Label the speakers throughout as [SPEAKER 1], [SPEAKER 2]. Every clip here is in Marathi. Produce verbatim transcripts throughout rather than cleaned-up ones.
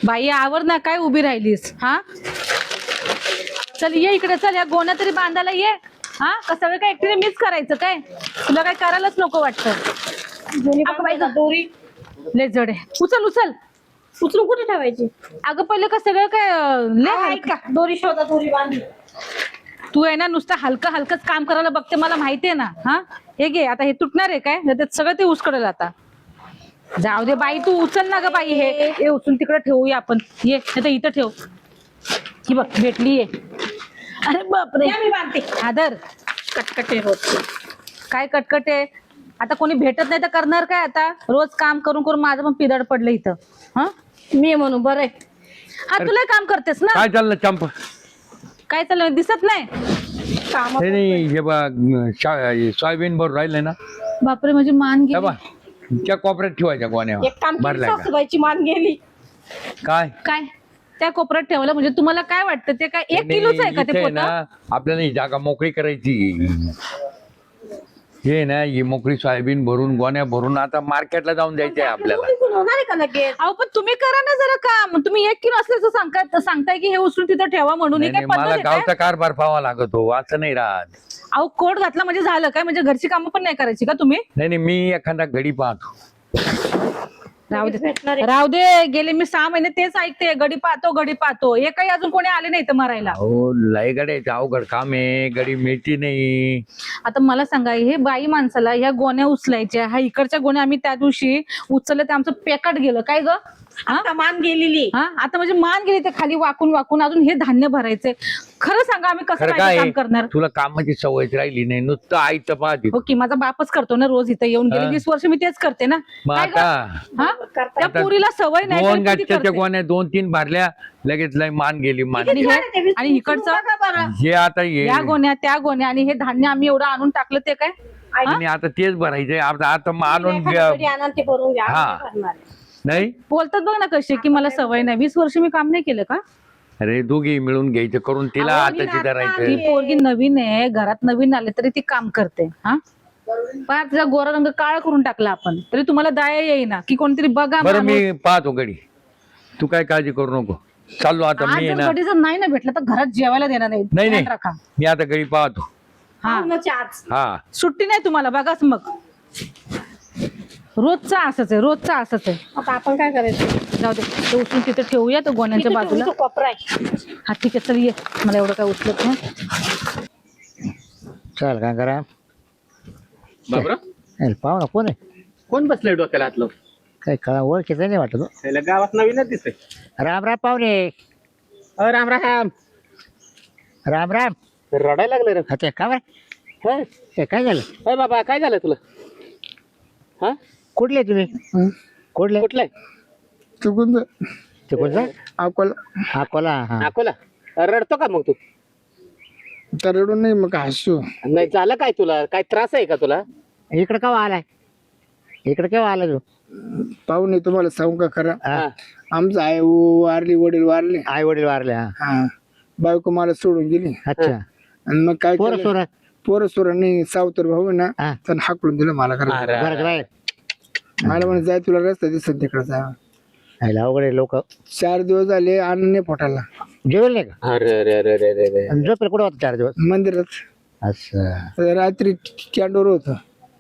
[SPEAKER 1] बाई आवर ना, काय उभी राहिलीस? हा चल ये इकडे, चल या गोण्या तरी बांधायला ये. हा का सगळं काय एकटीने मिस करायचं काय? तुला काय करायलाच नको वाटतं? अगं बाई गं,
[SPEAKER 2] दोरी
[SPEAKER 1] लय जड आहे. उचल उचल.
[SPEAKER 2] उचलून कुठे ठेवायची?
[SPEAKER 1] अगं पहिलं का सगळं काय अं, लय
[SPEAKER 2] हा,
[SPEAKER 1] हलका.
[SPEAKER 2] ऐका, दोरी शोधा, दोरी बांधली.
[SPEAKER 1] तू आहे ना नुसतं हलकं हलकंच काम करायला बघते, मला माहितीये ना. हा हे घे, आता हे तुटणार आहे काय? त्यात सगळं ते उसकडेल आता. जाऊ दे बाई, तू उचल ना ग बाई. हे हे उचलून तिकडे ठेवूया आपण. ये नाही तर इथं ठेव. ही बघ भेटली ये. अरे बापरे,
[SPEAKER 2] या मी बांधते.
[SPEAKER 1] आदर
[SPEAKER 2] कटकटे रोज.
[SPEAKER 1] काय कटकट आहे. आता कोणी भेटत नाही तर करणार काय? आता रोज काम करून करून माझं पण पिदड पडलं इथं. हा
[SPEAKER 2] मी म्हणून बरं आहे.
[SPEAKER 1] हा तुला काम करतेस ना?
[SPEAKER 3] काय चाललं चंपा?
[SPEAKER 1] काय चाललं दिसत नाही?
[SPEAKER 2] काम
[SPEAKER 3] हे नाही, हे बघ शा- सोयाबीन भरून राहिले ना,
[SPEAKER 1] बापरे माझी मान
[SPEAKER 3] त्या
[SPEAKER 1] गेली.
[SPEAKER 3] बा त्या कोपऱ्यात ठेवायच्या गोण्या
[SPEAKER 2] एक काम केलं,
[SPEAKER 3] भरल्या का?
[SPEAKER 2] सासूबाईची मान गेली.
[SPEAKER 3] काय
[SPEAKER 1] काय त्या कोपऱ्यात ठेवलं म्हणजे तुम्हाला काय वाटतं? ते काय एक किलोच आहे का
[SPEAKER 3] इथे
[SPEAKER 1] ते
[SPEAKER 3] आहे
[SPEAKER 1] पोतं?
[SPEAKER 3] ना, आपल्याला ही जागा मोकळी करायची. हे ना, ही मोकळी सोयाबीन भरून गोण्या भरून आता मार्केटला जाऊन द्यायचे आहे आपल्याला.
[SPEAKER 2] निघून होणार आहे का लगेच?
[SPEAKER 1] अहो पण तुम्ही करा ना जरा काम. तुम्ही एक किलो असल्याचं सांगताय सांगताय की हे उचलून तिथं ठेवा म्हणून. हे
[SPEAKER 3] नाही,
[SPEAKER 1] काय
[SPEAKER 3] नाही,
[SPEAKER 1] पद्धत
[SPEAKER 3] मला
[SPEAKER 1] आहे काय?
[SPEAKER 3] गावचा कारभार पाहावा लागतो, असं नाही राहत.
[SPEAKER 1] अहो कोट घातला म्हणजे झालं काय? म्हणजे घरची कामं पण नाही करायची का तुम्ही?
[SPEAKER 3] नाही नाही, मी एखादा घडी पाहतो.
[SPEAKER 1] राहू दे
[SPEAKER 2] भेटणार आहे.
[SPEAKER 1] राहू दे. गेले मी सहा महिने तेच ऐकते, गडी पाहतो गडी पाहतो. हे काही अजून कोणी आले नाही तर मरायला.
[SPEAKER 3] अहो लय गड्याचं अवघड काम आहे, गडी मिळती नाही.
[SPEAKER 1] आता मला सांगा, हे बाई माणसाला ह्या गोण्या उचलायच्या, ह्या इकडच्या गोण्या आम्ही त्या दिवशी उचलल्या ते आमचं पेकाट गेलं काय ग? हा
[SPEAKER 2] आता मान गेलेली.
[SPEAKER 1] हा आता म्हणजे मान गेली ते खाली वाकून वाकून. अजून हे धान्य भरायचंय. खरं सांगा आम्ही कसं
[SPEAKER 3] खरं
[SPEAKER 1] काय
[SPEAKER 3] काय
[SPEAKER 1] काम करणार?
[SPEAKER 3] तुला कामाची सवयच राहिली नाही, नुसतं आईचं पाहते.
[SPEAKER 1] हो की माझा बापच करतो ना रोज इथं येऊन. गेले
[SPEAKER 3] हा.
[SPEAKER 1] वीस वर्ष मी तेच करते ना.
[SPEAKER 3] मग
[SPEAKER 1] काय ग?
[SPEAKER 3] आता
[SPEAKER 1] हा त्या
[SPEAKER 3] आता
[SPEAKER 1] पुरीला सवय नाही
[SPEAKER 3] दोन
[SPEAKER 1] तरी किती
[SPEAKER 3] गाठच्या
[SPEAKER 1] करते.
[SPEAKER 3] गोण्या दोन तीन भरल्या, लगेच लय मान गेली मान
[SPEAKER 1] आणि
[SPEAKER 3] गेली.
[SPEAKER 1] हे- आणि इकडचं
[SPEAKER 3] हे आता ये
[SPEAKER 1] या गोण्या त्या गोण्या आणि हे धान्य आम्ही एवढं आणून टाकलं ते काय?
[SPEAKER 3] आणि आता तेच भरायचंय. आता आता मग आणून
[SPEAKER 2] एखादं घरी आणा ते भरून घ्या.
[SPEAKER 3] हा.
[SPEAKER 2] आम्ही नाही भरणार आहे.
[SPEAKER 3] नाही.
[SPEAKER 1] बोलतात बघ ना कसे की मला सवय नाही. वीस वर्ष मी काम नाही केलं का?
[SPEAKER 3] अरे दोघी मिळून घ्यायचं करून तिला
[SPEAKER 2] अहो, मी
[SPEAKER 3] आताची
[SPEAKER 2] नाचता
[SPEAKER 3] धरायचं.
[SPEAKER 1] ती पोरगी नवीन आहे, घरात नवीन आले तरी ती काम करते. हा पण तिचा गोरा रंग काळा करून टाकला आपण, तरी तुम्हाला दया येईना की कोणतरी बघा
[SPEAKER 3] बरं
[SPEAKER 1] माणूस.
[SPEAKER 3] मी पाहतो गडी, तू काय काळजी करू नको. चाललो आता
[SPEAKER 1] आज
[SPEAKER 3] मी आहे
[SPEAKER 1] जर
[SPEAKER 3] ना.
[SPEAKER 1] कधी जर नाही ना भेटलं तर घरात जेवायला देणार नाही.
[SPEAKER 3] नाही
[SPEAKER 1] ध्यान
[SPEAKER 3] नाही,
[SPEAKER 1] राखा.
[SPEAKER 3] मी आता गडी पाहतो.
[SPEAKER 1] हा
[SPEAKER 2] पाहुण्याची आज.
[SPEAKER 3] हा
[SPEAKER 1] सुट्टी नाही तुम्हाला, बघाच मग. रोजचा असंच आहे, रोजचा असंच आहे.
[SPEAKER 2] आता आपण काय करायचं?
[SPEAKER 1] जाऊ दे, ते उचलून तिथे ठेवूया तो गोण्यांच्या
[SPEAKER 2] इथं
[SPEAKER 1] बाजूला.
[SPEAKER 2] ठेवून तो कोपरा आहे.
[SPEAKER 1] हा ठीक आहे, चल ये. मला एवढं काय उचलत नाही.
[SPEAKER 4] चल काय करा
[SPEAKER 5] बाबरा
[SPEAKER 4] पाहू ना कोण आहे.
[SPEAKER 5] कोण बसलंय डोक्याला हातलं?
[SPEAKER 4] काही कळा ओळखीचं नाही वाटत हो.
[SPEAKER 5] त्याला गावात नवीनच दिसतंय.
[SPEAKER 4] राम राम पाहुणे.
[SPEAKER 5] अ राम राम.
[SPEAKER 4] राम राम.
[SPEAKER 5] रडायला लागलं रे.
[SPEAKER 4] अच्छा का बरं?
[SPEAKER 5] होय.
[SPEAKER 4] हे काय झालं?
[SPEAKER 5] होय बाबा, काय झालं तुला? हा
[SPEAKER 4] कुठले तुम्ही? कुठले?
[SPEAKER 5] कुठलंय?
[SPEAKER 6] चुकून
[SPEAKER 4] ते कोणतं?
[SPEAKER 6] अकोला
[SPEAKER 4] अकोला. हा
[SPEAKER 5] अकोला. रडतो का मग तू?
[SPEAKER 6] तर रडून नाही मग हसू.
[SPEAKER 5] नाही झालं काय तुला? काय त्रास आहे का तुला?
[SPEAKER 4] इकडं केव्हा आलाय? इकडं केव्हा आला तू?
[SPEAKER 6] पाहुणे तुम्हाला सांगू का खरं,
[SPEAKER 4] हा.
[SPEAKER 6] आमचं आई वारली, वडील वारले.
[SPEAKER 4] आई वडील वारले. हा
[SPEAKER 6] हा बायको मला सोडून गेली.
[SPEAKER 4] अच्छा.
[SPEAKER 6] आणि मग काय
[SPEAKER 4] पोरं
[SPEAKER 6] केलं?
[SPEAKER 4] सोर.
[SPEAKER 6] पोरं सोर नाही, सावतर भाऊ आहे ना,
[SPEAKER 4] हा.
[SPEAKER 6] त्यानं हाकलून दिलं मला खरं.
[SPEAKER 5] अरे,
[SPEAKER 4] बरं बाहेर.
[SPEAKER 6] मला म्हणे जाय, तुला रस्ता दिसत तिकडे जा.
[SPEAKER 4] अवघड लोक
[SPEAKER 6] चार दिवस झाले अन्न नाही पोटाला.
[SPEAKER 4] जेवेल नाही का?
[SPEAKER 5] अरे अरे अरे अरे अरे अरे.
[SPEAKER 4] आणि झोपेल कुठं होतं चार दिवस?
[SPEAKER 6] मंदिरात
[SPEAKER 4] असं
[SPEAKER 6] रात्री कॅन्डोर होत.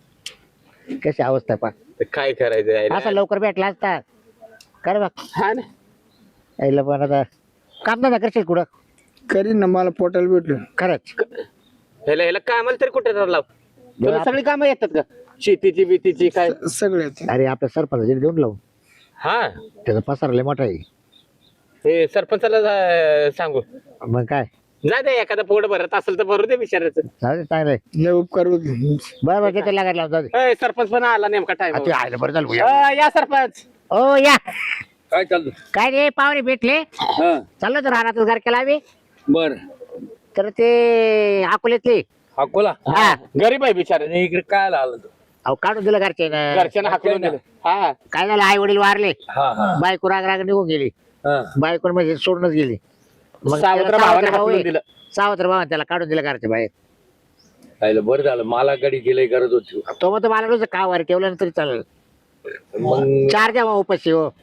[SPEAKER 4] कशी अवस्था पा.
[SPEAKER 5] तर काय करायचं आहे
[SPEAKER 4] असं
[SPEAKER 5] रे?
[SPEAKER 4] लवकर भेटला असता. कर बघ
[SPEAKER 5] हा ना.
[SPEAKER 4] यायला पण आता काम धंदा करशील कुठं?
[SPEAKER 6] करीन ना, मला पोटाला भेटलं.
[SPEAKER 4] खरंच.
[SPEAKER 5] ह्याला ह्याला कामाला तरी कुठे लाव? तुला सगळी कामं येतात का? शेतीची बितीची काय?
[SPEAKER 6] सगळे येते.
[SPEAKER 4] अरे आपल्या सरपंच देऊन लावून.
[SPEAKER 5] हा.
[SPEAKER 4] त्याचा पसार लय मोठा आहे.
[SPEAKER 5] हे सरपंचाला जा- सांगू.
[SPEAKER 4] मग काय
[SPEAKER 5] जा दे, एखादा पोट भरत असेल तर भरू दे बिचारायचं.
[SPEAKER 4] जाऊ दे चांगलं आहे.
[SPEAKER 6] लय उपकार होते.
[SPEAKER 4] बरं बरं तिथे लागायला लावून जाऊ दे.
[SPEAKER 5] अय, सरपंच पण आला नेमका टाइम.
[SPEAKER 4] हा, ते आयलं बरं झालं भुया.
[SPEAKER 5] या सरपंच.
[SPEAKER 4] ओ या.
[SPEAKER 3] काय चाललं?
[SPEAKER 4] काय रे पाहुणे भेटले.
[SPEAKER 3] हा
[SPEAKER 4] चाललो तर राहणार घर केला आम्ही.
[SPEAKER 3] बर.
[SPEAKER 4] तर ते अकोल्यातले.
[SPEAKER 3] अकोला.
[SPEAKER 4] हा.
[SPEAKER 5] गरीब आहे बिचारा.
[SPEAKER 3] आणि इकडे काय आलं तू?
[SPEAKER 4] अहो काढून दिलं घरचे.
[SPEAKER 5] घरच्यांना हाकलून दिलं. हा.
[SPEAKER 4] काय झालं आई वडील वारले.
[SPEAKER 3] हा हा
[SPEAKER 4] बायको राग राग निघून गेली.
[SPEAKER 3] हा.
[SPEAKER 4] बायको म्हणजे सोडूनच गेली. मग
[SPEAKER 5] सावत्र
[SPEAKER 4] त्याला
[SPEAKER 5] भावाने
[SPEAKER 4] सावत्र भाऊ
[SPEAKER 5] हाकलून
[SPEAKER 4] आहे.
[SPEAKER 5] दिलं.
[SPEAKER 4] सावत्र भावा त्याला काढून दिलं घरच्या बाहेर.
[SPEAKER 3] काय बरं झालं, मला गडी गेलंय गरज होती.
[SPEAKER 4] तो मग मला रोज का वर ठेवलं तरी चालेल.
[SPEAKER 3] मग
[SPEAKER 4] चार द्या उपाशी हो.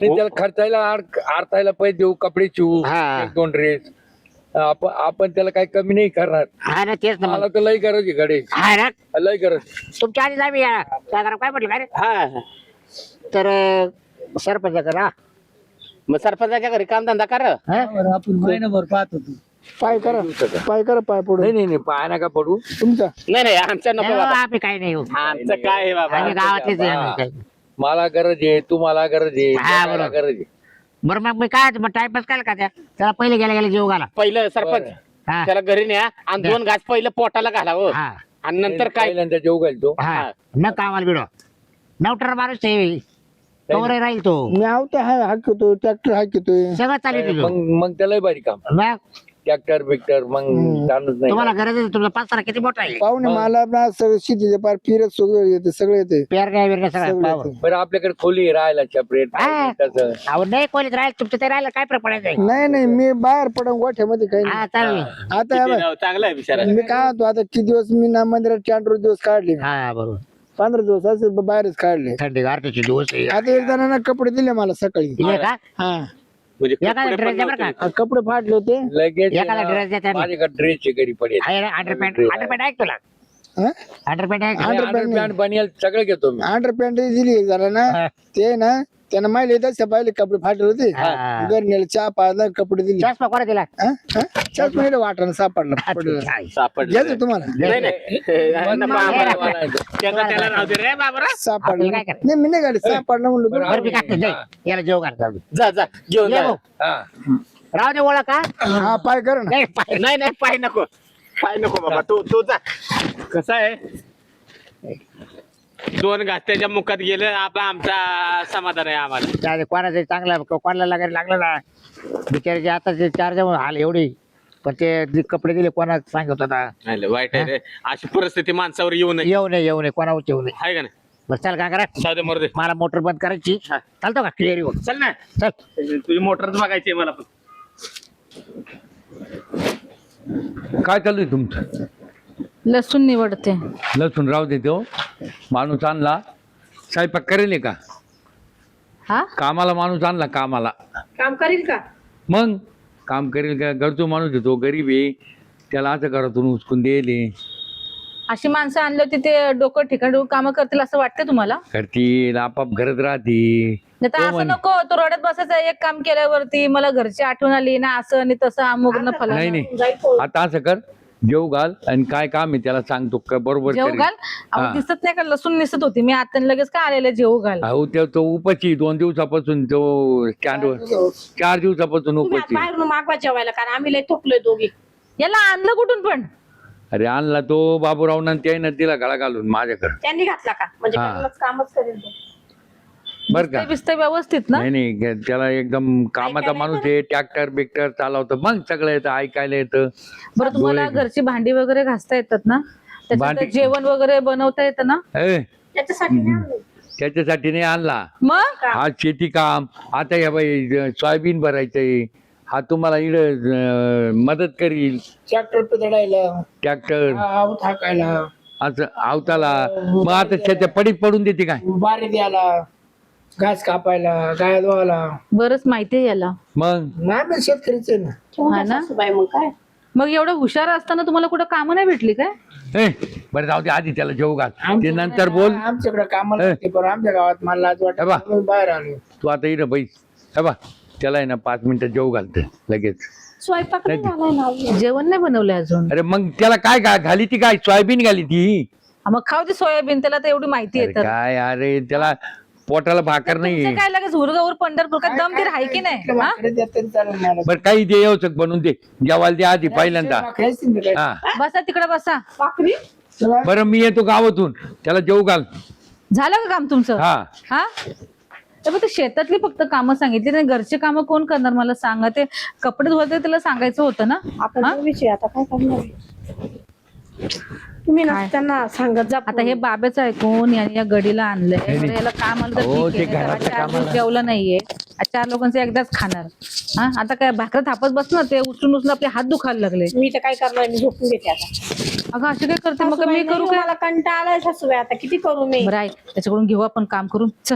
[SPEAKER 3] आणि त्याला खर्चायला आड- आरतायला पैसे देऊ, कपडे शिवू,
[SPEAKER 4] हा.
[SPEAKER 3] एक दोन ड्रेस. आपण आपण त्याला काही कमी नाही करणार.
[SPEAKER 4] हा ना तेच ना
[SPEAKER 3] मला
[SPEAKER 4] मग
[SPEAKER 3] तर लई गरज आहे गडे,
[SPEAKER 4] हा ना
[SPEAKER 3] लई गरज.
[SPEAKER 4] तुमच्या आधी आम्ही या साधारण काय म्हटलं काय रे
[SPEAKER 5] हा
[SPEAKER 4] तर अं, सरपंच करा
[SPEAKER 5] मग सरपंचाच्या घरी कामधंदा कर
[SPEAKER 6] आपण महिनाभर पाहत होतो. पाय करा पाय करा पाय पडून
[SPEAKER 3] नाही नाही नाही पाय नका पडू.
[SPEAKER 6] तुमचा
[SPEAKER 5] नाही नाही आमच्या नको
[SPEAKER 4] नाही,
[SPEAKER 5] बाबा.
[SPEAKER 4] आम्ही काही नाही येऊ
[SPEAKER 5] आमचं काय आहे बाबा
[SPEAKER 4] आम्ही गावातलेच आहे आम्ही काही.
[SPEAKER 3] मला गरज आहे, तुम्हाला गरज आहे,
[SPEAKER 4] हा,
[SPEAKER 3] मला
[SPEAKER 4] बरोबर.
[SPEAKER 3] गरज आहे.
[SPEAKER 4] बरं मग मी काय मग टाइमपास काय का त्या त्याला पहिले गेल्या गेल्या जेव घाला
[SPEAKER 5] पहिलं सरपंच
[SPEAKER 3] बरं.
[SPEAKER 4] हा
[SPEAKER 5] त्याला घरी न्या आणि दोन घास पहिलं पोटाला घालावं
[SPEAKER 4] हा
[SPEAKER 5] आणि नंतर काय
[SPEAKER 3] पहिल्यांदा जेव घालतो.
[SPEAKER 4] हा न कामाला बिडो नवटर माणूस आहे तोवरे राहील तो
[SPEAKER 6] मी आवते हाय हाकतो ट्रॅक्टर हाकतोय.
[SPEAKER 4] सगळं चालू आहे
[SPEAKER 3] मग
[SPEAKER 4] तुझं
[SPEAKER 3] मग त्याला भारी काम,
[SPEAKER 4] मग
[SPEAKER 3] ट्रॅक्टर बिक्टर मग जाणच नाही.
[SPEAKER 4] तुम्हाला गरज आहे तुमचा पाच किती मोठा आहे
[SPEAKER 6] पाहुणे मला ना सगळं शेतीचे पार फिरत सगळं येते सगळं येते
[SPEAKER 4] पेरण्या बिरण्या सगळं
[SPEAKER 6] सगळं
[SPEAKER 4] पावर.
[SPEAKER 6] येते.
[SPEAKER 3] बरं आपल्याकडे खोली आहे राहायला सेपरेट
[SPEAKER 4] हा.
[SPEAKER 3] तसं.
[SPEAKER 4] अहो नाही कोणीच राहील तुमचं ते राहिलं काय फरक पडायचं
[SPEAKER 6] नाही नाही मी बाहेर पडून गोठ्यामध्ये काही नाही.
[SPEAKER 4] हा चालेल
[SPEAKER 6] आता या बघ,
[SPEAKER 5] चांगला आहे बिचारा
[SPEAKER 6] मी काय होतो आता किती दिवस मी ना मंदिरात चांडूर दिवस काढले,
[SPEAKER 4] हा बरोबर
[SPEAKER 6] पंधरा दिवस असे ब- बाहेरच काढले.
[SPEAKER 4] थंडी गारठीचे दिवस आहे
[SPEAKER 6] आता एक जणांना कपडे दिले मला सकाळी.
[SPEAKER 4] दिले का
[SPEAKER 6] हा
[SPEAKER 5] म्हणजे
[SPEAKER 4] एखादा
[SPEAKER 5] कपडे
[SPEAKER 4] ड्रेस
[SPEAKER 5] पण
[SPEAKER 4] द्या बरं का
[SPEAKER 5] नव्हते.
[SPEAKER 6] आ, कपडे फाटले होते.
[SPEAKER 3] लगेच
[SPEAKER 4] एखादा dress द्या त्यांना.
[SPEAKER 3] माझ्याकडे ड्रेसचे घरी पडेल.
[SPEAKER 4] आहे ना अंडरपॅन्ट अंडरपॅन्ट आहे का तुला
[SPEAKER 6] हा?
[SPEAKER 4] अंडरपॅन्ट आहे का?
[SPEAKER 6] underpant नाही.
[SPEAKER 3] पॅन्ट बनियल सगळं घेतो मी.
[SPEAKER 6] अंडर पॅन्ट दिली एक जणांना,
[SPEAKER 4] हा.
[SPEAKER 6] ते ना त्यानं माहिले तसे पाहिले कपडे फाटले होते.
[SPEAKER 4] हा.
[SPEAKER 6] घरी नेले चहा पाजला कपडे दिले.
[SPEAKER 4] चष्मा कोणा दिला
[SPEAKER 6] चहाच महिने वाटणं सापडलं पडलं.
[SPEAKER 5] सापडलं
[SPEAKER 6] घ्यायचं तुम्हाला
[SPEAKER 5] नाही नाही
[SPEAKER 3] मग
[SPEAKER 5] नको आम्हाला.
[SPEAKER 3] मला नाही.
[SPEAKER 5] त्याचा त्याला राहू दे रे बाबरा
[SPEAKER 6] सापडलं
[SPEAKER 4] आपल्याला काय करायचं?
[SPEAKER 6] नाही मी नाही गाडी सापडलं म्हणलं
[SPEAKER 3] बरं,
[SPEAKER 6] तुम्हाला.
[SPEAKER 4] बरं मी काय नाही याला जेव घाल जाऊ दे.
[SPEAKER 5] जा जा घेऊन
[SPEAKER 4] ये
[SPEAKER 5] जा
[SPEAKER 4] भाऊ.
[SPEAKER 3] हा.
[SPEAKER 4] राहू दे ओळख का
[SPEAKER 6] हा पाय कर ना.
[SPEAKER 4] नाही पाय-
[SPEAKER 5] नाही नाही पाय नको पाय नको बाबा तू तू जा कसं आहे दोन घास त्याच्या मुखात गेलं आपला आमचा समाधान आहे आम्हाला
[SPEAKER 4] त्या कोणाचं चांगला कोणाला लागायला लागलं ना बिचाराचे आता ते चार जण हाल एवढी पण ते जे कपडे दिले कोणा सांगत होता
[SPEAKER 5] नाही, वाईट आहे रे अशी परिस्थिती माणसावर येऊ नये
[SPEAKER 4] येऊ नये येऊ नये कोणावर येऊ नये
[SPEAKER 5] आहे का नाही
[SPEAKER 4] बरं चल काय करा
[SPEAKER 5] जाऊ दे मरू दे
[SPEAKER 4] मला मोटर बंद करायची
[SPEAKER 5] हा.
[SPEAKER 4] चालतो का क्लिअर येऊ
[SPEAKER 5] चल ना
[SPEAKER 4] चल
[SPEAKER 5] तुझी मोटरच बघायची आहे मला पण
[SPEAKER 3] काय चालू आहे तुमचं?
[SPEAKER 1] लसूण निवडते.
[SPEAKER 3] लसूण राहू दे तो माणूस आणला स्वयंपाक करेल का?
[SPEAKER 1] हा
[SPEAKER 3] कामाला माणूस आणला कामाला
[SPEAKER 2] काम करील का?
[SPEAKER 3] मग काम करेल का? गरजू माणूस आहे तो, गरीब आहे, त्याला असं घरातून उचकून देले
[SPEAKER 1] अशी माणसं आणली होती ते डोकं ठिकाण कामं करतील असं वाटतं तुम्हाला?
[SPEAKER 3] करतील आपाप घरात राहतील.
[SPEAKER 1] नाही तर असं नको तो रडत बसायचं एक काम केल्यावरती मला घरची आठवण आली ना असं आणि तसं अमुक न
[SPEAKER 3] नाही
[SPEAKER 1] फलाना.
[SPEAKER 3] नाही
[SPEAKER 2] जाईल पोळ.
[SPEAKER 3] आता असं कर, जेव घाल आणि काय काम आहे त्याला सांगतो का बरोबर
[SPEAKER 1] जेव
[SPEAKER 3] करेल.
[SPEAKER 1] घाल अहो
[SPEAKER 3] हा.
[SPEAKER 1] दिसत नाही का लसूण दिसत होती मी आता लगेच का आलेलं जेव घाल.
[SPEAKER 3] अहो ते तो उपाची दोन दिवसापासून तो स्टँडवर चार दिवसापासून
[SPEAKER 2] तुम्ही
[SPEAKER 3] उपाची.
[SPEAKER 2] बाहेरून मागवा जेवायला कारण आम्ही लय थकलोय दोघी.
[SPEAKER 1] याला आणलं कुठून पण?
[SPEAKER 3] अरे आणला तो बाबूरावनं त्यानं तिला गळा घालून माझ्याकडे.
[SPEAKER 2] त्यांनी घातला का म्हणजे
[SPEAKER 3] हा.
[SPEAKER 2] करूनच कामच करेल तो.
[SPEAKER 3] बर का?
[SPEAKER 1] दिसतंय बिसतंय व्यवस्थित ना?
[SPEAKER 3] नाही नाही त्याला एकदम कामाचा
[SPEAKER 2] ऐकायला
[SPEAKER 3] माणूस आहे, ट्रॅक्टर बिक्टर चालवतं मग सगळं येतं, ऐकायला येतं.
[SPEAKER 1] बरं तुम्हाला
[SPEAKER 3] डोळे-
[SPEAKER 1] घरची भांडी वगैरे घासता येतात ना? त्याच्यात
[SPEAKER 3] भांडी-
[SPEAKER 1] जेवण वगैरे बनवता येतं ना?
[SPEAKER 3] ए,
[SPEAKER 2] त्याच्यासाठी नाही आणलं.
[SPEAKER 3] त्याच्यासाठी नाही आणला
[SPEAKER 1] मग
[SPEAKER 3] हा शेती काम. आता या बाई सोयाबीन भरायचंय, हा तुम्हाला इड मदत करील.
[SPEAKER 6] ट्रॅक्टर पितडायला
[SPEAKER 3] ट्रॅक्टर
[SPEAKER 6] आऊत हाकायला
[SPEAKER 3] असं आवताला मग आता त्याच्या पडीत पडून देते काय?
[SPEAKER 6] बारी द्यायला घास कापायला गाय धुवायला.
[SPEAKER 1] बरंच माहितीये याला.
[SPEAKER 3] मग
[SPEAKER 6] नाही पण शेतकरीच आहे ना.
[SPEAKER 2] ठेवून
[SPEAKER 1] हा
[SPEAKER 2] द्या
[SPEAKER 1] ना?
[SPEAKER 2] सासूबाई मग काय
[SPEAKER 1] मग एवढं हुशार असताना तुम्हाला कुठं कामं नाही भेटली काय?
[SPEAKER 3] ए बरं जाऊ दे आधी त्याला जेव घाल, ते
[SPEAKER 6] आमच्याकडे-
[SPEAKER 3] नंतर बोल.
[SPEAKER 6] आमच्याकडे कामाला
[SPEAKER 3] ए.
[SPEAKER 6] होते, पण आमच्या गावात मला लाज
[SPEAKER 3] हे बा.
[SPEAKER 6] वाटत म्हणून बाहेर आलो.
[SPEAKER 3] तू आता इकडं बैस. हे बा त्याला आहे ना पाच मिनिटं जेव घालते लगेच.
[SPEAKER 2] स्वयंपाक नाही झालाय ना अजून.
[SPEAKER 1] जेवण नाही बनवलंय अजून.
[SPEAKER 3] अरे मग त्याला काय घा- घाली ती काय? सोयाबीन घाली ती.
[SPEAKER 1] हा, मग खाऊ दे सोयाबीन त्याला तर एवढी माहिती
[SPEAKER 3] अरे
[SPEAKER 1] आहे तर.
[SPEAKER 3] काय अरे त्याला पोटाला भाकर नाही.
[SPEAKER 1] तुमचं काय लगेच हुरगावर पंढरपूर का दम दीर आहे की नाही? हा?
[SPEAKER 6] भाकरी देत तरी चालेल मला.
[SPEAKER 3] बरं काही दे येऊचक बनवून दे, जेवायला दे आधी पहिल्यांदा.
[SPEAKER 6] भाकरी असतील ना काय?
[SPEAKER 3] हा
[SPEAKER 1] बसा तिकडे बसा.
[SPEAKER 2] भाकरी
[SPEAKER 6] चला.
[SPEAKER 3] बरं मी येतो गावातून, त्याला जेव घाल.
[SPEAKER 1] झालं का काम तुमचं?
[SPEAKER 3] हा
[SPEAKER 1] हा तर मग ते शेतातली फक्त कामं सांगितली नाही, घरचे कामं कोण करणार मला सांगा. ते कपडे धुवायचे त्याला सांगायचं होतं ना.
[SPEAKER 2] आपण
[SPEAKER 1] हा?
[SPEAKER 2] दोघीच आहे, आता काय करणार तुम्ही ना
[SPEAKER 1] काय?
[SPEAKER 2] त्यांना सांगत जा
[SPEAKER 1] आता हे बाबेचं ऐकून याने या गडीला आणलंय. बरं, याला काम आलं तर
[SPEAKER 3] हो,
[SPEAKER 1] ठीक आहे.
[SPEAKER 3] ते
[SPEAKER 1] नाही तर
[SPEAKER 3] घरातल्या
[SPEAKER 1] चार दिवस
[SPEAKER 3] कामाला.
[SPEAKER 1] जेवलं नाहीये, आज चार लोकांचं एकदाच खाणार. हा आता काय भाकर थापत बसणार, ते उचलून उचलून आपले हात दुखायला लागले.
[SPEAKER 2] मी तर काय करणार मी झोपून घेते आता.
[SPEAKER 1] अगं अशी काय करते मग?
[SPEAKER 2] सासूबाई
[SPEAKER 1] मी
[SPEAKER 2] नाही,
[SPEAKER 1] करू काय?
[SPEAKER 2] मला कंटाळा आलाय सासूबाई आता किती करू मी.
[SPEAKER 1] बरं आहे त्याच्याकडून घेऊ आपण काम करून. चल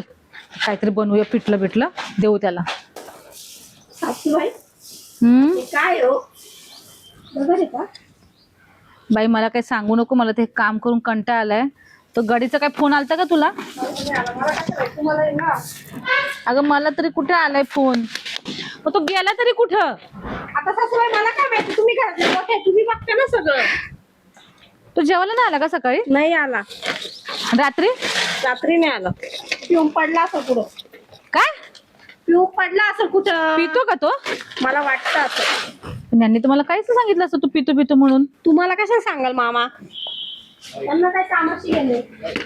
[SPEAKER 1] काहीतरी बनवूया पिठलं बिठलं देऊ त्याला.
[SPEAKER 2] सासूबाई
[SPEAKER 1] हम्म
[SPEAKER 2] हे काय हो बघा रे का
[SPEAKER 1] बाई मला काही सांगू नको, मला ते काम करून कंटाळा आलाय. तो गाडीचा काय फोन आलता का तुला?
[SPEAKER 2] तुम्हाला आहे ना
[SPEAKER 1] अगं मला तरी कुठे आलाय फोन, मग तो गेला तरी कुठं?
[SPEAKER 2] आता सासूबाई मला काय माहिती तुम्ही घरातले मोठे तुम्ही बघता ना सगळं.
[SPEAKER 1] तो जेवायला नाही आला का सकाळी?
[SPEAKER 2] नाही आला
[SPEAKER 1] रात्री?
[SPEAKER 2] रात्री नाही आला पिऊन पडला असं कुठं
[SPEAKER 1] काय
[SPEAKER 2] पिऊन पडला असं कुठं
[SPEAKER 1] पितो का तो?
[SPEAKER 2] मला वाटतं असं.
[SPEAKER 1] पण यांनी तुम्हाला काहीच नाही सांगितलं असं तू पितो पितो म्हणून.
[SPEAKER 2] तुम्हाला कशाला सांगाल मामा त्यांना काय कामाची गेले.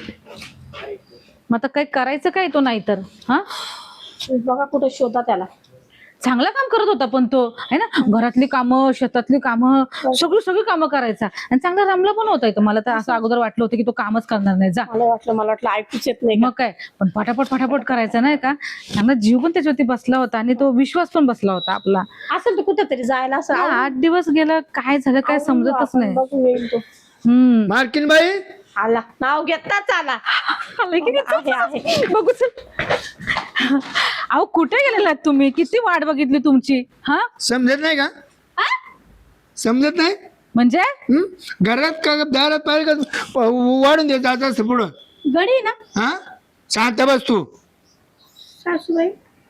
[SPEAKER 1] मग आता काय करायचं काय तो नाही तर हा
[SPEAKER 2] बघा कुठं शोधा त्याला.
[SPEAKER 1] चांगलं काम करत होता पण तो है ना, घरातली कामं शेतातली कामं सगळी सगळी कामं करायचा आणि चांगला रमला पण होता. इथं मला तर असं अगोदर वाटलं होतं की तो कामच करणार नाही जा.
[SPEAKER 2] मला वाटलं मला वाटलं ऐकूच येत नाही का?
[SPEAKER 1] मग काय पण पटापट पटापट करायचा नाही का, चांगला जीव पण त्याच्यावरती बसला होता आणि तो विश्वास पण बसला होता आपला.
[SPEAKER 2] असेल तर कुठं तरी जायला असं
[SPEAKER 1] हा, आठ दिवस गेला काय झालं काय समजतच
[SPEAKER 2] आपण
[SPEAKER 1] नाही.
[SPEAKER 2] बघू येईल तो.
[SPEAKER 1] हम्म
[SPEAKER 6] मार्किन बाई
[SPEAKER 2] आला नाव घेताच आला
[SPEAKER 1] आलाय की नाही?
[SPEAKER 2] आहे आहे
[SPEAKER 1] बघू चल. अहो कुठे गेलेला तुम्ही, किती वाट बघितली तुमची. हा
[SPEAKER 6] समजत नाही का? समजत नाही
[SPEAKER 1] म्हणजे
[SPEAKER 6] हं? घरात का दारात पाहिजे का वाढून देत आता असं पुढं
[SPEAKER 2] गडी ना
[SPEAKER 6] हा शांत बस तू.
[SPEAKER 2] सासूबाई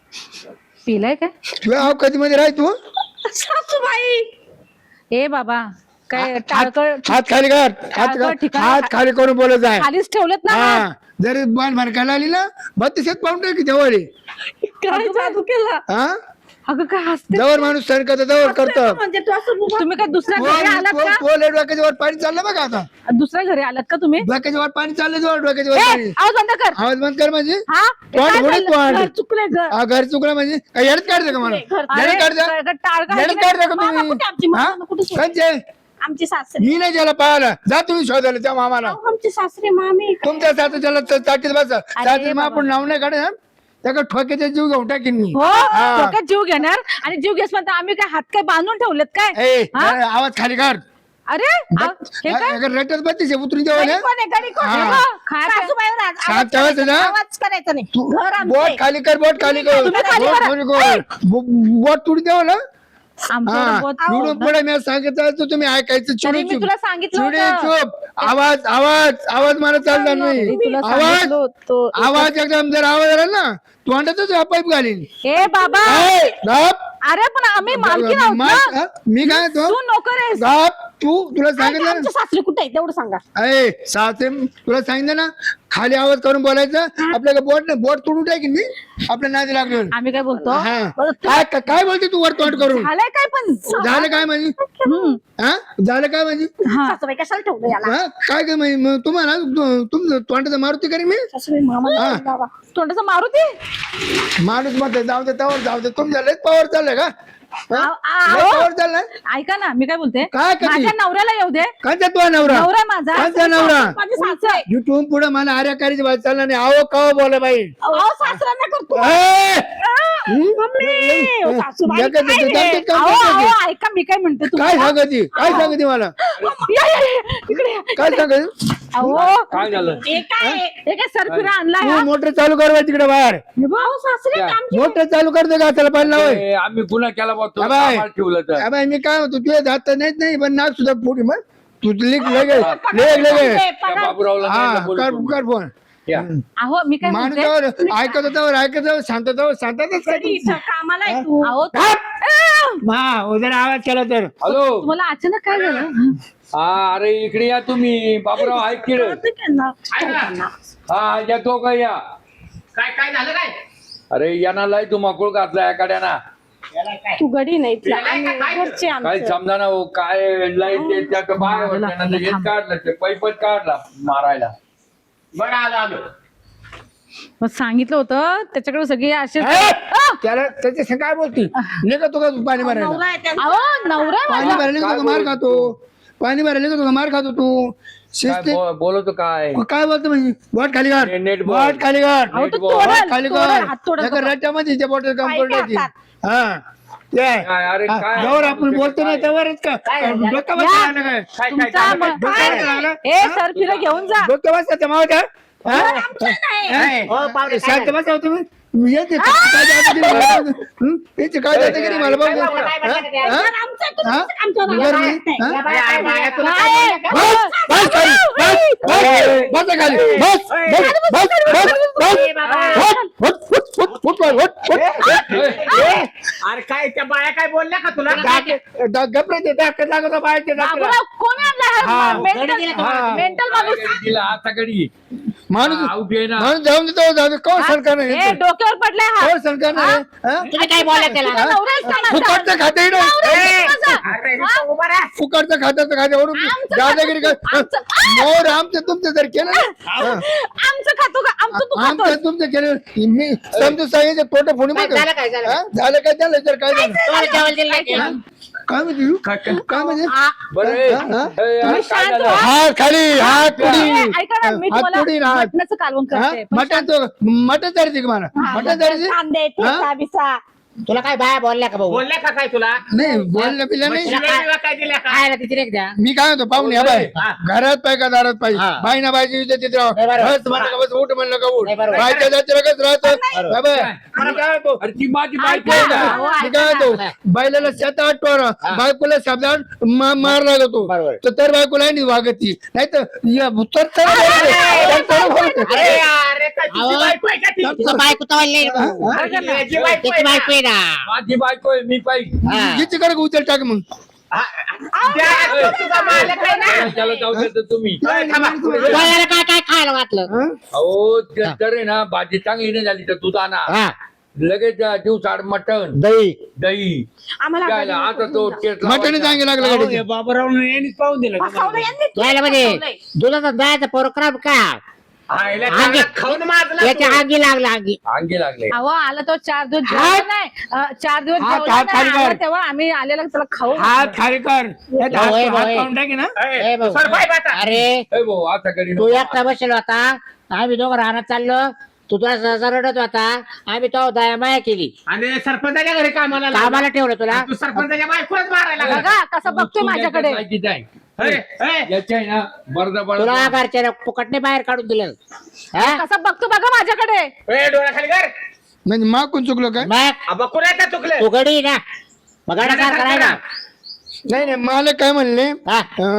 [SPEAKER 1] पिलाय काय?
[SPEAKER 6] तुझ्या अवकाती मध्ये राह तू.
[SPEAKER 2] सासूबाई
[SPEAKER 1] ए बाबा काय टाळकं
[SPEAKER 6] हात खाली कर हात
[SPEAKER 1] टाळकं ठिकाणी-
[SPEAKER 6] हात खाली करून बोलत आहे.
[SPEAKER 1] खालीच ठेवलेत ना हात.
[SPEAKER 6] हा जर बाण भरकायला आली ना बत्तीसात पाऊंड टाकी जवळ आहे.
[SPEAKER 2] काय जादू केला
[SPEAKER 6] हा
[SPEAKER 1] अगं काय हसते.
[SPEAKER 6] जवळ माणूस सण करतो जवळ करतो.
[SPEAKER 2] म्हणजे तू असं उभा-
[SPEAKER 1] तुम्ही काय दुसऱ्या घरी आलात का?
[SPEAKER 6] डोक्याच्या वर पाणी चाललं बघा आता.
[SPEAKER 1] दुसऱ्या घरी आलात का तुम्ही?
[SPEAKER 6] डोक्याच्या वर पाणी चाललं जवळ डोक्याच्या वर
[SPEAKER 1] ए,
[SPEAKER 6] पाणी.
[SPEAKER 1] आवाज बंद कर.
[SPEAKER 6] आवाज बंद कर म्हणजे
[SPEAKER 1] हा हे
[SPEAKER 6] तोंड
[SPEAKER 1] काय
[SPEAKER 6] फोडीत
[SPEAKER 1] चाललं?
[SPEAKER 6] तोंड.
[SPEAKER 1] घर चुकलंय घर.
[SPEAKER 6] हा, घर चुकलं म्हणजे काय येडत काढतं का मला
[SPEAKER 1] अरे,
[SPEAKER 6] येडत काढतं
[SPEAKER 1] काय- काय टाळकं आहे
[SPEAKER 6] येडत
[SPEAKER 1] की
[SPEAKER 6] काढतं का
[SPEAKER 2] मामा कुठे आमची
[SPEAKER 6] तुम्ही हा?
[SPEAKER 2] मामा कुठे सोडली?
[SPEAKER 6] कंचे
[SPEAKER 2] आमची सासरे
[SPEAKER 6] मी नाही त्याला पाहायला जा तुम्ही शोधायला त्या मामाला.
[SPEAKER 2] अहो, आमचे सासरे मामी
[SPEAKER 6] तुमच्या साथ त्याला चाटीत बसा चाटीत मग आपण नाव नाही काढा त्या ठोक्याचा जीव घेऊन टाकीन मी.
[SPEAKER 1] हो
[SPEAKER 6] हा.
[SPEAKER 1] डोक्यात जीव घेणार आणि जीव घेस म्हणता आम्ही काय हात काय बांधून ठेवलेत काय?
[SPEAKER 6] ए
[SPEAKER 1] हा?
[SPEAKER 6] जरा आवाज खाली काढ.
[SPEAKER 1] अरे आ- हे काय
[SPEAKER 6] अगर रटत बत्तीस उतरून जेवण
[SPEAKER 2] गडी कोण आहे? गडी कोण आहे?
[SPEAKER 6] हा.
[SPEAKER 2] बघ,
[SPEAKER 1] खायचं-
[SPEAKER 2] सासूबाईवर आज
[SPEAKER 6] शांत
[SPEAKER 2] आवाज
[SPEAKER 6] ठेवायचं
[SPEAKER 2] करायचा
[SPEAKER 6] ना?
[SPEAKER 2] नाही, आवाज करायचा नाही घर आमचं
[SPEAKER 6] बोट
[SPEAKER 2] आहे.
[SPEAKER 6] खाली कर बोट खाली कर
[SPEAKER 1] तुम्ही खाली
[SPEAKER 6] बोट
[SPEAKER 1] करा.
[SPEAKER 6] खाली कर. बो- बोट तुडून द्यावं ना
[SPEAKER 1] आमचं
[SPEAKER 6] हा
[SPEAKER 1] बहुत-
[SPEAKER 6] तुडून पुढे मी सांगितलं तर तुम्ही ऐकायचं
[SPEAKER 1] तरी
[SPEAKER 6] चिडून
[SPEAKER 1] मी
[SPEAKER 6] चुप
[SPEAKER 1] तुला सांगितलं
[SPEAKER 6] चिडून
[SPEAKER 1] होतं.
[SPEAKER 6] चुप आवाज आवाज आवाज मला चालणार नाही.
[SPEAKER 1] तरी तुला
[SPEAKER 6] आवाज
[SPEAKER 1] सांगितलं होतं.
[SPEAKER 6] आवाज एकदम जर आवाज आला ना तोंडातच पाईप घालीन.
[SPEAKER 1] ए बाबा
[SPEAKER 6] ए, गप.
[SPEAKER 1] अरे पण आम्ही मालकी आहोत
[SPEAKER 6] मा-
[SPEAKER 1] ना.
[SPEAKER 6] हा? मी काय तो
[SPEAKER 1] तू नोकर आहेस.
[SPEAKER 6] गप तू तुला
[SPEAKER 2] ऐका,
[SPEAKER 6] सांगितलं
[SPEAKER 2] आमचे सासरे कुठे आहे तेवढं सांगा
[SPEAKER 6] ना ए सासे तुला सांगितलं ना खाली आवाज करून बोलायचं आपल्याला बोट नाही बोट तोडून टाकीन मी आपल्या नादी लागलो.
[SPEAKER 1] आम्ही काय बोलतो
[SPEAKER 6] हा काय काय- काय बोलते तू वर तोंड करून
[SPEAKER 1] झालंय काय पण
[SPEAKER 6] झालं काय म्हणजे
[SPEAKER 1] हम्म.
[SPEAKER 6] हा झालं काय म्हणजे
[SPEAKER 1] हा.
[SPEAKER 2] सासूबाई कशाला ठेवलं याला
[SPEAKER 6] हा काय काय म्हणजे मग तुम्हाला तु- तुमचं तोंडाचं मारुती करीन मी
[SPEAKER 2] सासूबाई मामा
[SPEAKER 6] हा.
[SPEAKER 2] बाबा
[SPEAKER 1] तोंडाचं मारुती.
[SPEAKER 6] माणूस मध्ये जाऊ दे तवर जाऊ दे तुमच्या लयच पावर चाललंय का
[SPEAKER 1] आव- आव.
[SPEAKER 6] पावर चाललाय
[SPEAKER 1] ऐका ना मी काय बोलते
[SPEAKER 6] काय करते?
[SPEAKER 1] माझ्या नवऱ्याला येऊ दे.
[SPEAKER 6] कांचा तुझा नवरा
[SPEAKER 1] नवरा आहे माझा.
[SPEAKER 6] कांचा नवरा
[SPEAKER 2] माझे सासरे
[SPEAKER 6] युट्यूब पुढे मला आर्या करायची बात चालणार नाही आहो का बोला बाई
[SPEAKER 2] अहो सासऱ्यांना करतो
[SPEAKER 6] ए!
[SPEAKER 2] मम्मी, ओ, सासूबाई
[SPEAKER 6] जगात-
[SPEAKER 2] काय रे?
[SPEAKER 6] जगात काम
[SPEAKER 1] अहो,
[SPEAKER 6] करते.
[SPEAKER 1] अहो, ऐका मी काय म्हणते
[SPEAKER 6] काय
[SPEAKER 1] तुम्हाला.
[SPEAKER 6] सांगती काय सांगती मला
[SPEAKER 1] या, या, या, इकडे या.
[SPEAKER 6] काय सांगत
[SPEAKER 1] अहो
[SPEAKER 3] काय झालं?
[SPEAKER 2] हे काय आहे?
[SPEAKER 1] हे काय सरफिरा आणलाय
[SPEAKER 6] तू
[SPEAKER 1] हा?
[SPEAKER 6] मोटर चालू कर बा तिकडे बाहेर
[SPEAKER 2] अहो सासरे
[SPEAKER 3] क्या?
[SPEAKER 2] आमचे
[SPEAKER 6] मोटर चालू करते का त्याला पाहिलं होय
[SPEAKER 3] ए, आम्ही गुन्हा केला बा तुला
[SPEAKER 6] अबाय.
[SPEAKER 3] कामाला ठेवलं तर
[SPEAKER 6] अबे मी काय म्हणतो तुझ्या जात नाही नाही पण नाक सुद्धा फुटी मग तू लिख लगे लेख लगे
[SPEAKER 3] त्या
[SPEAKER 2] पगार-
[SPEAKER 3] बाबूरावला
[SPEAKER 6] हा
[SPEAKER 3] न्यायला बोलतो
[SPEAKER 6] कर
[SPEAKER 3] मी.
[SPEAKER 6] कर फोन
[SPEAKER 3] या.
[SPEAKER 1] अहो मी काय
[SPEAKER 6] माणूस
[SPEAKER 1] म्हणते
[SPEAKER 6] त्यावर ऐकत होतावर ऐकत जाऊ शांततावर शांतताच काय
[SPEAKER 2] घरी इथं कामाला आहे तू
[SPEAKER 1] अहो
[SPEAKER 6] हा जर आवाज केला तर
[SPEAKER 3] हॅलो
[SPEAKER 1] तुम्हाला अचानक काय झालं
[SPEAKER 3] हा अरे इकडे या तुम्ही बाबूराव ऐक की रे. हा येतो का या
[SPEAKER 5] काय काय झालं काय
[SPEAKER 3] अरे यांना लय तू मकुळ घातला एखाद्याना
[SPEAKER 2] तू गडी नाही इथला. आम्ही घरचे
[SPEAKER 3] काय
[SPEAKER 2] आमचं
[SPEAKER 3] समजा ना हो, काय लय ते त्यात बाहेर होतं, त्यानं ते हेच काढलं ते पैपच काढला मारायला.
[SPEAKER 5] बरं आलो आलो
[SPEAKER 1] मग सांगितलं होतं त्याच्याकडे सगळे असे
[SPEAKER 6] ए! त्याला त्याच्या संग काय बोलती निघतो का तू पाणी भरायला
[SPEAKER 2] नवरा आहे त्यांचा.
[SPEAKER 1] अहो नवरा आहे
[SPEAKER 6] पाणी
[SPEAKER 1] माझा.
[SPEAKER 6] भरायला निघतो का मार खातो पाणी भरायला निघतो का मार खातो तू
[SPEAKER 3] काय
[SPEAKER 6] शिस्ती
[SPEAKER 3] बो- बोलतो काय
[SPEAKER 6] काय बोलतो म्हणजे बोट खाली
[SPEAKER 3] ने-
[SPEAKER 6] कर
[SPEAKER 3] नेट बोल.
[SPEAKER 6] बोट खाली कर
[SPEAKER 1] अहो तो
[SPEAKER 3] बोल.
[SPEAKER 1] तोडल,
[SPEAKER 6] बोट खाली
[SPEAKER 1] तोडल, हात तोडल.
[SPEAKER 6] कर रट्ट्यामध्ये त्या बोटल काम
[SPEAKER 2] पाय
[SPEAKER 6] करून टाकी.
[SPEAKER 2] टाकतात.
[SPEAKER 6] हा ते
[SPEAKER 3] काय, अरे
[SPEAKER 6] हा,
[SPEAKER 3] काय?
[SPEAKER 6] जोवर आपण बोलतो ना त्यावरच का डोकं बसलं
[SPEAKER 1] या.
[SPEAKER 6] लागलं काय
[SPEAKER 5] काय काय
[SPEAKER 1] तुमचा
[SPEAKER 5] काय
[SPEAKER 1] म-
[SPEAKER 6] डोक्यावर लागलं?
[SPEAKER 1] ए सरफिरा घेऊन जा
[SPEAKER 6] डोकं बसलं त्या मावत्या हा?
[SPEAKER 4] नाही. हो, पाहुणे, काय
[SPEAKER 6] शांत बसा हो तुम्ही मी येते काय दादागिरी मला पाहू दे. हं? याची काय दादागिरी मला पाहू दे.
[SPEAKER 4] काय बोलता, काय बोलता, काय बोलता?
[SPEAKER 6] हा?
[SPEAKER 2] आमचं
[SPEAKER 6] हा?
[SPEAKER 2] तुम्हीच आमच्यावर
[SPEAKER 6] बिगर
[SPEAKER 2] आला.
[SPEAKER 6] मी? हा?
[SPEAKER 4] या बाया, काय बाया, तुला
[SPEAKER 1] काय?
[SPEAKER 4] काय बोलल्या का?
[SPEAKER 6] बस बस खाली बस बस बस खाली बस बस बस बस बस
[SPEAKER 4] ए बाबा.
[SPEAKER 6] बस फुट फुट फुट फुट फुट फुट
[SPEAKER 5] अरे काय त्या बाया काय बोलल्या का तुला
[SPEAKER 6] गपरे ते दाखत लागत बाहेरचे दाखत
[SPEAKER 1] बाबूराव कोण आणला
[SPEAKER 6] हा.
[SPEAKER 4] गडी दिला का?
[SPEAKER 6] हा.
[SPEAKER 1] मेंटल माणूस
[SPEAKER 3] तिला आता कडी
[SPEAKER 6] माणूस
[SPEAKER 3] आउट आहे ना
[SPEAKER 6] माणूस जाऊन देतो जाऊ दे कोण सरकार
[SPEAKER 1] हे
[SPEAKER 6] नाही
[SPEAKER 1] डोक्यावर पडलाय हा
[SPEAKER 6] कोण सरकार नाही हा?
[SPEAKER 4] तुम्ही काय बोलला त्याला
[SPEAKER 1] तुझा नवराच का माझा?
[SPEAKER 6] फुकटचं खाते
[SPEAKER 1] नवरा
[SPEAKER 6] नाही
[SPEAKER 1] माझा.
[SPEAKER 4] अरे, नुसतं उभा राहा.
[SPEAKER 6] फुकटचं खात्याचं खात्यावरून
[SPEAKER 1] आमचं
[SPEAKER 6] दादागिरी कर
[SPEAKER 1] आमचं-
[SPEAKER 6] मोर आमचं तुमचं जर केलं ना हा.
[SPEAKER 1] आमचं खातो का आमचं तू खातो
[SPEAKER 6] आमचं तुमचं केलं मी समजून सांगितलं तोटे फोडी
[SPEAKER 4] काय झालं, काय झालं?
[SPEAKER 6] झालं काय झालं तर काय झालं
[SPEAKER 4] तुम्हाला जेवण दिलं नाही का?
[SPEAKER 6] काय म्हणते
[SPEAKER 3] काय काय?
[SPEAKER 6] काय म्हणजे
[SPEAKER 3] बरं
[SPEAKER 6] हा? हा?
[SPEAKER 3] ए, यार, काय
[SPEAKER 1] शांत
[SPEAKER 3] झालं?
[SPEAKER 1] व्हा.
[SPEAKER 6] हात खाली हात
[SPEAKER 1] ए,
[SPEAKER 6] पुढी
[SPEAKER 1] ऐका ना मी
[SPEAKER 6] हात पुढी
[SPEAKER 1] तुम्हाला
[SPEAKER 6] हात
[SPEAKER 1] मटणाचं कालवण करते पण
[SPEAKER 6] मटण तो मटण चालते का मला मटण चालते
[SPEAKER 2] कांदे ठेचा बिसा
[SPEAKER 4] तुला काय बाया बोलल्या का भाऊ
[SPEAKER 5] बोलल्या का काय तुला
[SPEAKER 6] नाही बोललं पिलं नाही
[SPEAKER 5] शिव्या काय दिल्या का
[SPEAKER 4] खायला तिथे एक द्या
[SPEAKER 6] मी काय म्हणतो पाहुणे हा बाय
[SPEAKER 5] हा.
[SPEAKER 6] घरात पाय का दारात पाय
[SPEAKER 4] हा.
[SPEAKER 6] बाई ना बायची विचार तिथे राहा.
[SPEAKER 4] नाही बरोबर.
[SPEAKER 6] बस म्हणलं का बस उठ म्हणलं का उठ
[SPEAKER 4] नाही बरोबर.
[SPEAKER 6] बायच्या जातीला कसं राहतं
[SPEAKER 4] बरोबर.
[SPEAKER 6] हा बाय. मी काय म्हणतो
[SPEAKER 3] अरे ती माझी बायको
[SPEAKER 1] ऐका.
[SPEAKER 3] आहे ना.
[SPEAKER 1] हो,
[SPEAKER 6] मी
[SPEAKER 1] ऐका
[SPEAKER 6] काय
[SPEAKER 1] ना.
[SPEAKER 6] म्हणतो बायला सात आठ पोरं बायकोला शब्दात मा- मार लागतो
[SPEAKER 4] बरोबर.
[SPEAKER 6] तर तर बायकोला नाही वागत ती नाही तर या तर तर तर- तर बोलते.
[SPEAKER 5] अरे अरे काय तुझी
[SPEAKER 4] अहो.
[SPEAKER 5] बायको आहे का ती?
[SPEAKER 4] तुझं बायको तवाला नाही रे भाऊ.
[SPEAKER 6] हा?
[SPEAKER 5] अरे त्याची बायको आहे
[SPEAKER 4] त्याची
[SPEAKER 5] ना.
[SPEAKER 4] बायको आहे ना
[SPEAKER 3] माझी बायको आहे मी पाहिजे
[SPEAKER 4] हा.
[SPEAKER 6] हिची कडे उचल टाक मग
[SPEAKER 5] हा, त्या- तुझा मालक आहे ना.
[SPEAKER 3] त्याला जाऊ देता तुम्ही
[SPEAKER 5] ए, थांबा.
[SPEAKER 4] तुला काय काय खायला वाटलं
[SPEAKER 6] हा?
[SPEAKER 3] अहो ते तर आहे ना भाजी चांगली नाही झाली तर दूध आणा
[SPEAKER 4] हा
[SPEAKER 3] लगेच दिवसाड मटण
[SPEAKER 4] दही
[SPEAKER 3] दही
[SPEAKER 2] आम्हाला
[SPEAKER 3] द्यायला आता तो टेस्ट
[SPEAKER 6] मटण चांगली लागलं गाडीचं.
[SPEAKER 2] फसवलं यांनी.
[SPEAKER 4] यायला म्हणजे दुधाचा दह्याचा प्रोग्राम का
[SPEAKER 5] आईला
[SPEAKER 4] अंगी-
[SPEAKER 5] चांगला खाऊन माजला
[SPEAKER 4] याच्या
[SPEAKER 5] तू.
[SPEAKER 4] अंगी लागला अंगी
[SPEAKER 3] अंगी लागले
[SPEAKER 1] अहो आला तो चार दिवस
[SPEAKER 6] हात-
[SPEAKER 1] जेवला नाही अं, चार दिवस
[SPEAKER 6] हात-
[SPEAKER 1] जेवला
[SPEAKER 6] हात
[SPEAKER 1] नाही.
[SPEAKER 6] खाली कर.
[SPEAKER 1] आला तेव्हा आम्ही आलेला त्याला खाऊ
[SPEAKER 6] हात खाली कर यात हात-
[SPEAKER 4] होय,
[SPEAKER 6] हात
[SPEAKER 4] होय.
[SPEAKER 6] पाहून टाकी ना
[SPEAKER 5] ए,
[SPEAKER 4] ए भाऊ.
[SPEAKER 5] सर बाय बाता.
[SPEAKER 4] अरे
[SPEAKER 3] ए भाऊ आता करी
[SPEAKER 4] तू एकटा बसेल होता आम्ही दोघं राहण्यात चाललो तू तुला सहसा रडत होता आम्ही तो दया माया केली
[SPEAKER 5] आणि सरपंचाच्या घरी कामाला लागला.
[SPEAKER 4] कामाला ठेवलं तुला
[SPEAKER 5] तू सरपंचाच्या बायकोच मारायला लागला.
[SPEAKER 1] बघा कसं बघतोय माझ्याकडे
[SPEAKER 5] ए, ए,
[SPEAKER 3] याच्या आहे ना बरदा
[SPEAKER 4] तुला
[SPEAKER 3] बरदा
[SPEAKER 4] घरच्या फुकटने बाहेर काढून दिलं हा?
[SPEAKER 1] कसं बघतो बघा माझ्याकडे
[SPEAKER 5] ए, डोळा खाली कर.
[SPEAKER 6] म्हणजे मागून चुकलो काय
[SPEAKER 4] मग
[SPEAKER 5] अबा कुणाचं चुकलं
[SPEAKER 4] तू गडी ना मग गाडा करायला
[SPEAKER 6] नाही नाही मला काय म्हणले
[SPEAKER 4] हा.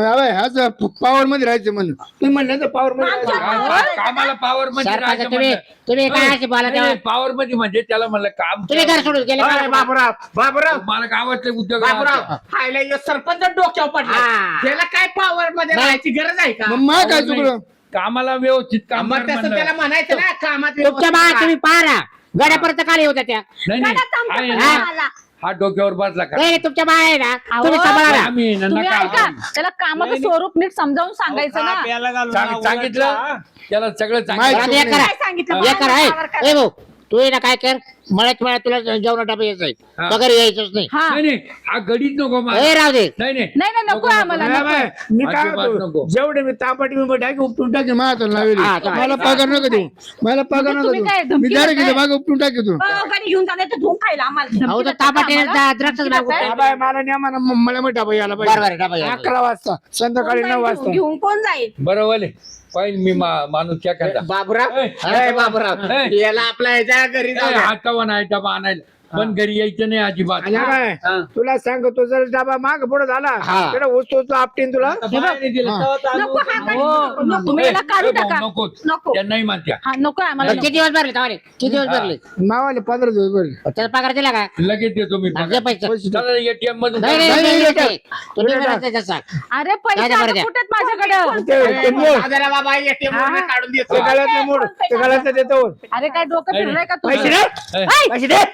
[SPEAKER 6] आज पॉवर मध्ये राहायचं म्हणून तुम्ही म्हणलं तर पॉवर मध्ये राहायचं.
[SPEAKER 3] कामाला पॉवर मध्ये
[SPEAKER 4] सरपंच
[SPEAKER 3] राहायचं
[SPEAKER 4] तुम्ही
[SPEAKER 3] म्हणलं.
[SPEAKER 4] तुम्ही काय अशी बोला तेव्हा
[SPEAKER 3] पॉवर मध्ये म्हणजे त्याला म्हणलं काम
[SPEAKER 4] तुम्ही घर सोडून गेले
[SPEAKER 5] अरे, बाबूराव बाबूराव
[SPEAKER 3] मला गावातले उद्योग
[SPEAKER 5] बाबूराव
[SPEAKER 3] राहतात.
[SPEAKER 5] हायला ह्यो सरपंच डोक्यावर पडला
[SPEAKER 4] हा.
[SPEAKER 5] त्याला काय पॉवर मध्ये
[SPEAKER 4] नाही.
[SPEAKER 5] राहायची गरज आहे का
[SPEAKER 6] मग मा काय चुकलो
[SPEAKER 3] कामाला व्यवस्थित काम
[SPEAKER 5] मग
[SPEAKER 3] कर
[SPEAKER 5] तसं
[SPEAKER 3] म्हणलं.
[SPEAKER 5] त्याला म्हणायचं ना कामात
[SPEAKER 4] तुमच्या बा
[SPEAKER 5] व्यवस्थित
[SPEAKER 4] तुम्ही पाहा गड्यापर्यंत काल होत्या त्या
[SPEAKER 3] नाही नाही
[SPEAKER 2] गड्यात आमचा
[SPEAKER 3] आहे
[SPEAKER 2] कसा
[SPEAKER 3] ना,
[SPEAKER 2] आला?
[SPEAKER 3] हा डोक्यावर बसला का
[SPEAKER 4] नाही नाही, तुमच्या बा आहे ना
[SPEAKER 1] अहो,
[SPEAKER 4] तुम्ही सांभाळा
[SPEAKER 3] आम्ही आहे ना,
[SPEAKER 1] तुम्ही
[SPEAKER 3] नका
[SPEAKER 1] ऐका त्याला कामाचं स्वरूप नीट समजावून सांगायचं ना
[SPEAKER 3] सांग- सांगितलं त्याला सगळं
[SPEAKER 6] माहिती-
[SPEAKER 3] सांगितलं
[SPEAKER 4] एक करा
[SPEAKER 2] काय सांगितलं
[SPEAKER 4] एक करा
[SPEAKER 2] मला
[SPEAKER 4] आहे
[SPEAKER 2] पावर करा.
[SPEAKER 4] ए भाऊ तू ये ना काय कर मळ्यात मळ्यात तुला जेवण डबा यायचं आहे
[SPEAKER 3] हा.
[SPEAKER 4] पगार यायचंच नाही
[SPEAKER 1] हा
[SPEAKER 3] नाही नाही हा गडीच नको मला.
[SPEAKER 4] ए राहू दे
[SPEAKER 3] नाही नाही
[SPEAKER 1] नाही नाही नको आम्हाला
[SPEAKER 6] नाही
[SPEAKER 1] नको.
[SPEAKER 6] बाय, मी काय
[SPEAKER 3] अजिबात
[SPEAKER 6] म्हणतो,
[SPEAKER 3] नको.
[SPEAKER 6] जेवढे मी तापाटी मी टाकी उपटून टाकी माझ्या लावली
[SPEAKER 4] हा, चालेल.
[SPEAKER 6] मला पगार नको देऊ मला पगार
[SPEAKER 1] म्हणजे
[SPEAKER 6] नको
[SPEAKER 1] तुम्ही काय,
[SPEAKER 6] देऊ मी
[SPEAKER 1] धमकी
[SPEAKER 6] डायरेक्ट
[SPEAKER 1] देताय?
[SPEAKER 6] मागे उपटून टाकी तू
[SPEAKER 2] अहो, गाडी घेऊन जाणार तर धुवून खायला आम्हाला
[SPEAKER 4] अहो तर
[SPEAKER 1] देताय
[SPEAKER 4] तांबाटे
[SPEAKER 1] आम्हाला?
[SPEAKER 4] द्राक्षच
[SPEAKER 1] धमकी
[SPEAKER 4] मागू
[SPEAKER 1] देताय?
[SPEAKER 6] बाय मला नाही मला मला मग डबा यायला
[SPEAKER 4] बरोबर आहे,
[SPEAKER 6] पाहिजे
[SPEAKER 4] डबा यायला
[SPEAKER 6] अकरा वाजता संध्याकाळी नऊ वाजता
[SPEAKER 2] घेऊन कोण जाईल
[SPEAKER 3] बरं वाले पाहिजे मी मा- माणूस क्या करता
[SPEAKER 5] बाबूराव
[SPEAKER 3] ए,
[SPEAKER 5] ए, बाबूराव
[SPEAKER 3] ए.
[SPEAKER 5] याला आपल्या ह्याच्या घरी जाऊ द्या.
[SPEAKER 3] हातावा नाही डबा आणायला पण घरी यायचं नाही अजिबात
[SPEAKER 6] आणि काय
[SPEAKER 3] हा.
[SPEAKER 6] तुला सांगतो जर डबा माग पुढे झाला
[SPEAKER 4] हा.
[SPEAKER 6] त्याला ऊस ऊस आपटीन तुला
[SPEAKER 3] बाहेर दिलं तेव्हा चालू
[SPEAKER 2] नको
[SPEAKER 3] होतं.
[SPEAKER 2] हा गाडी
[SPEAKER 1] हो,
[SPEAKER 2] नको, नको.
[SPEAKER 1] तुम्ही याला काढू
[SPEAKER 3] ए, भाऊ,
[SPEAKER 1] टाका
[SPEAKER 3] नकोच
[SPEAKER 2] नको.
[SPEAKER 3] त्यांनाही मानत्या
[SPEAKER 1] हा नको आम्हाला
[SPEAKER 4] किती दिवस भरले तवाले किती दिवस भरले
[SPEAKER 6] मावाले पंधरा दिवस भरले
[SPEAKER 4] त्याचा पगार दिला का
[SPEAKER 3] लगेच देतो मी
[SPEAKER 4] दे पैसे
[SPEAKER 3] चला एटीएम मधून
[SPEAKER 4] नाही नाही,
[SPEAKER 6] नाही,
[SPEAKER 4] नाही
[SPEAKER 6] नाही,
[SPEAKER 4] नाही, तुम्ही भरायचं त्याचा.
[SPEAKER 1] अरे पैसे
[SPEAKER 4] द्या, बरं
[SPEAKER 1] आता
[SPEAKER 4] द्या.
[SPEAKER 1] कुठे आहेत माझ्याकडे
[SPEAKER 6] ते- ते मोड.
[SPEAKER 5] जरा बाबा एटीएम वरून काढून देतो
[SPEAKER 6] ते गळ्यातलं मोड ते गळ्यातलं देतो
[SPEAKER 1] अरे काय डोकं फिरलंय का
[SPEAKER 6] पैसे
[SPEAKER 1] तुझं
[SPEAKER 6] दे
[SPEAKER 3] ए,
[SPEAKER 6] पैसे दे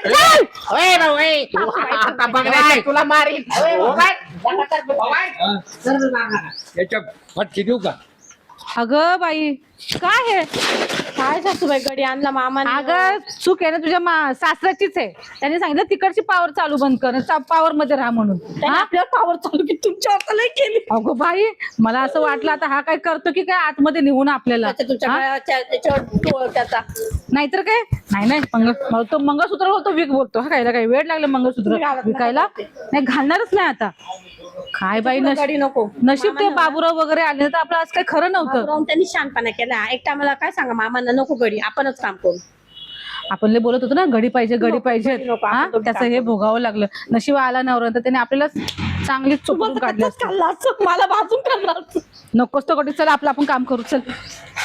[SPEAKER 4] ओय भाऊ, ओय.
[SPEAKER 5] आता बघणार तुला मारील हो काय? हो काय?
[SPEAKER 3] हा. याच्या फटके देऊ का
[SPEAKER 1] अगं बाई काय हे
[SPEAKER 2] काय सासूबाई गडी आणला मामा
[SPEAKER 1] अगं चूक आहे ना तुझ्या मा- सासऱ्याचीच आहे त्यांनी सांगितलं तिकडची पावर चालू बंद कर पॉवर मध्ये राहा म्हणून हा?
[SPEAKER 2] आपल्याला पावर चालू की तुमच्या हाताला केली
[SPEAKER 1] अगो बाई मला असं वाटलं आता हा काय करतो की काय आतमध्ये नेऊन आपल्याला
[SPEAKER 2] त्याच्या तुमच्या
[SPEAKER 1] हा?
[SPEAKER 2] गळ्याच्या- त्याच्यावर डोळ त्याचा
[SPEAKER 1] नाहीतर काय नाही नाही मंग मला तो मंगळसूत्र बोलतो विक बोलतो हा खायला काय वेळ लागला मंगळसूत्र
[SPEAKER 2] मी घालत नाही.
[SPEAKER 1] विकायला नाही घालणारच नाही आता काय बाई
[SPEAKER 2] तुला
[SPEAKER 1] नशीब
[SPEAKER 2] गाडी नको
[SPEAKER 1] नशीब ते बाबूराव वगैरे आले तर आपलं आज काही खरं नव्हतं.
[SPEAKER 2] बाबूराव त्यांनी शानपणा केला. एकटा मला काय सांगा, मामांना नको गडी, आपणच काम करू.
[SPEAKER 1] आपण लय बोलत होतो ना घडी पाहिजे घडी
[SPEAKER 2] नको,
[SPEAKER 1] पाहिजे
[SPEAKER 2] घडी नको,
[SPEAKER 1] हा
[SPEAKER 2] आपण दोघी
[SPEAKER 1] त्याचं
[SPEAKER 2] काम
[SPEAKER 1] हे
[SPEAKER 2] करू.
[SPEAKER 1] भोगावं लागलं. नशीब आला नवरा तर त्याने आपल्याला चांगलीच चुकून काढली असती.
[SPEAKER 2] मला भाजून खाल्ला.
[SPEAKER 1] नकोच तो कधी चला आपलं आपण काम करू चल.